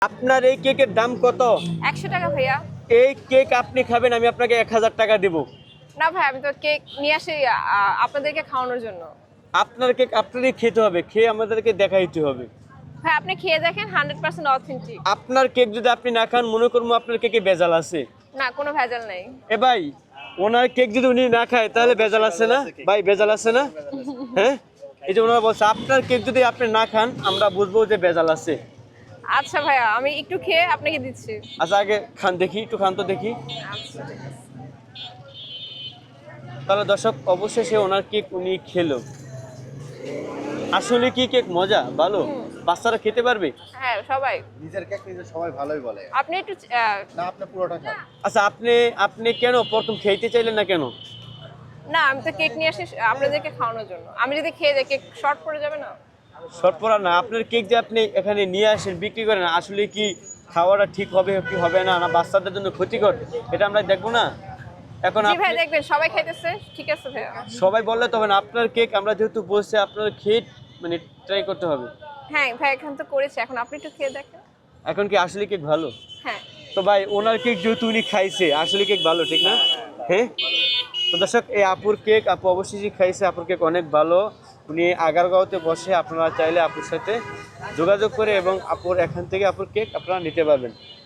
আপনার এই কেকের দাম কত? 100 টাকা ভাইয়া। এই কেক আপনি খাবেন, আমি আপনাকে 1000 টাকা দেব। না ভাই, আমি তো কেক নিয়ে আসি আপনাদেরকে খাওয়ানোর জন্য। আপনার কেক আপনারই খেতে হবে, খেয়ে আমাদেরকে দেখাইতে হবে। ভাই আপনি খেয়ে দেখেন, 100% অথেন্টিক। আপনার কেক যদি আপনি না খান, মনে করবো আপনার কেকে ভেজাল আছে। না, কোনো ভেজাল নেই। এ ভাই, ওনার কেক যদি উনি না খায় তাহলে ভেজাল আছে না ভাই? ভেজাল আছে না? হ্যাঁ, এই যে ওনারা বলছে আপনার কেক যদি আপনি না খান আমরা বুঝবো যে ভেজাল আছে। আচ্ছা ভাইয়া, আমি একটু খেয়ে আপনাকে দিচ্ছি। আচ্ছা আগে খান দেখি, একটু খান তো দেখি। আচ্ছা ঠিক আছে। তাহলে দর্শক অবশেষে ওনার কেক উনি খেলো। আসলে কি কেক মজা, ভালো, বাচ্চারা খেতে পারবে? হ্যাঁ সবাই। নিজের কেক নিজে সবাই ভালোই বলে। আপনি একটু না, আপনি পুরোটা খান। আচ্ছা আপনি কেন প্রথম খেতে চাইলেন না কেন? না, আমি তো কেক নিয়ে আসি আপনাদেরকে খাওয়ানোর জন্য। আমি যদি খেয়ে যাই কেক শর্ট পড়ে যাবে না। শর্টপরা না, আপনার কেক যে আপনি এখানে নিয়ে আসেন বিক্রি করেন, আসলে কি খাওয়াটা ঠিক হবে কি হবে না, না বাচ্চাদের জন্য ক্ষতিকর, এটা আমরা দেখবো না? এখন জি ভাই, আপনি দেখবেন সবাই খাইতেছে। ঠিক আছে ভাইয়া। সবাই বললে তবে না, আপনার কেক আমরা যেহেতু বলছি আপনার খেয়ে মানে ট্রাই করতে হবে। হ্যাঁ ভাই, এখন তো করেছি, এখন আপনি একটু খেয়ে দেখেন। এখন কি আসলে কেক ভালো? হ্যাঁ। তো ভাই ওনার কেক যেহেতু উনি খাইছে, আসলে কেক ভালো, ঠিক না? হ্যাঁ, তো দর্শক এই আপুর কেক, আপু অবশ্যই খাইছে, আপুর কেক অনেক ভালো। উনি আগারগাঁওতে বসে, আপনারা চাইলে আপুর সাথে যোগাযোগ করে এবং আপুর এখান থেকে আপুর কেক আপনারা নিতে পারবেন।